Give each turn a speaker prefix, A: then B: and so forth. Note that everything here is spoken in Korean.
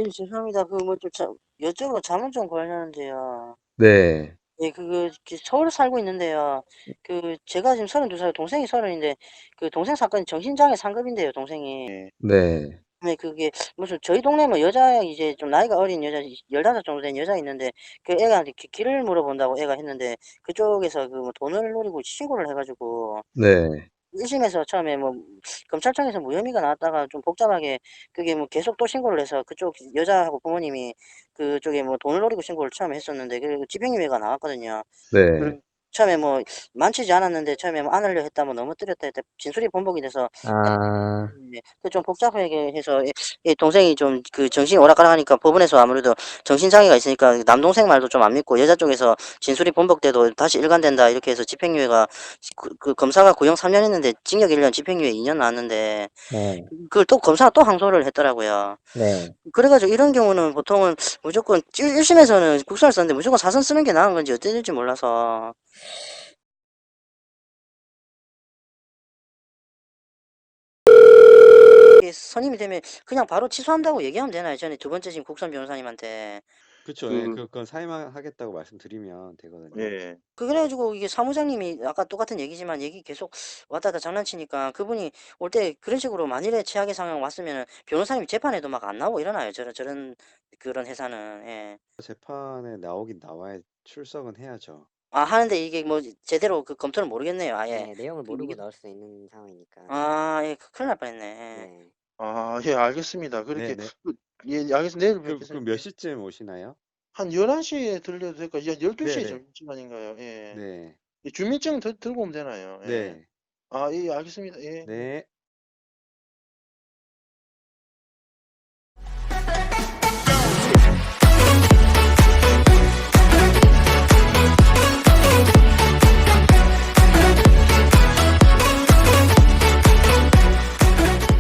A: 예, 죄송합니다. 그 뭐 좀 여쭤보고 자문 좀 구하려는데요.
B: 네.
A: 예, 서울에 살고 있는데요. 제가 지금 32살, 동생이 30인데, 그 동생 사건이 정신장애 상급인데요, 동생이.
B: 네.
A: 네, 그게 무슨 저희 동네 뭐 여자 이제 좀 나이가 어린 여자 15 정도 된 여자 있는데 그 애가 길을 물어본다고 애가 했는데 그쪽에서 그 뭐 돈을 노리고 신고를 해가지고
B: 네.
A: 1심에서 처음에 뭐 검찰청에서 무혐의가 나왔다가 좀 복잡하게 그게 뭐 계속 또 신고를 해서 그쪽 여자하고 부모님이 그쪽에 뭐 돈을 노리고 신고를 처음에 했었는데 그리고 집행유예가 나왔거든요.
B: 네.
A: 처음에 뭐 많지지 않았는데 처음에 뭐 안 하려 했다 뭐 넘어뜨렸다 했다 진술이 번복이 돼서
B: 아,
A: 네. 좀 복잡하게 해서 동생이 좀 정신이 오락가락하니까 법원에서 아무래도 정신장애가 있으니까 남동생 말도 좀 안 믿고 여자 쪽에서 진술이 번복돼도 다시 일관된다 이렇게 해서 집행유예가 검사가 구형 3년 했는데 징역 1년 집행유예 2년 나왔는데
B: 네.
A: 그걸 또 검사가 또 항소를 했더라고요.
B: 네.
A: 그래가지고 이런 경우는 보통은 무조건 1심에서는 국선을 썼는데 무조건 사선 쓰는 게 나은 건지 어떻게 될지 몰라서. 이게 선임이 되면 그냥 바로 취소한다고 얘기하면 되나요? 전에 두 번째 지금 국선 변호사님한테.
C: 그쵸. 예. 그건 사임하겠다고 말씀드리면 되거든요.
D: 예.
A: 그래가지고 이게 사무장님이 아까 똑같은 얘기지만 얘기 계속 왔다 갔다 장난치니까 그분이 올 때 그런 식으로 만일에 최악의 상황 왔으면은 변호사님 재판에도 막 안 나오고 이러나요? 저런 그런 회사는. 예.
C: 재판에 나오긴 나와야 출석은 해야죠.
A: 아, 하는데 이게 뭐 제대로 검토를 모르겠네요. 아예.
E: 네, 내용을 모르고
A: 이게
E: 나올 수 있는 상황이니까.
A: 아, 예, 큰일 날 뻔했네. 예.
E: 네.
D: 예, 알겠습니다. 그렇게,
C: 네네.
D: 예, 알겠습니다. 내일
C: 그럼
D: 뵙겠습니다.
C: 몇 시쯤 오시나요?
D: 한 11시에 들려도 될까요? 12시에
C: 네네.
D: 점심시간인가요? 예.
C: 네.
D: 주민증 들고 오면 되나요? 예.
C: 네.
D: 예, 알겠습니다. 예.
C: 네.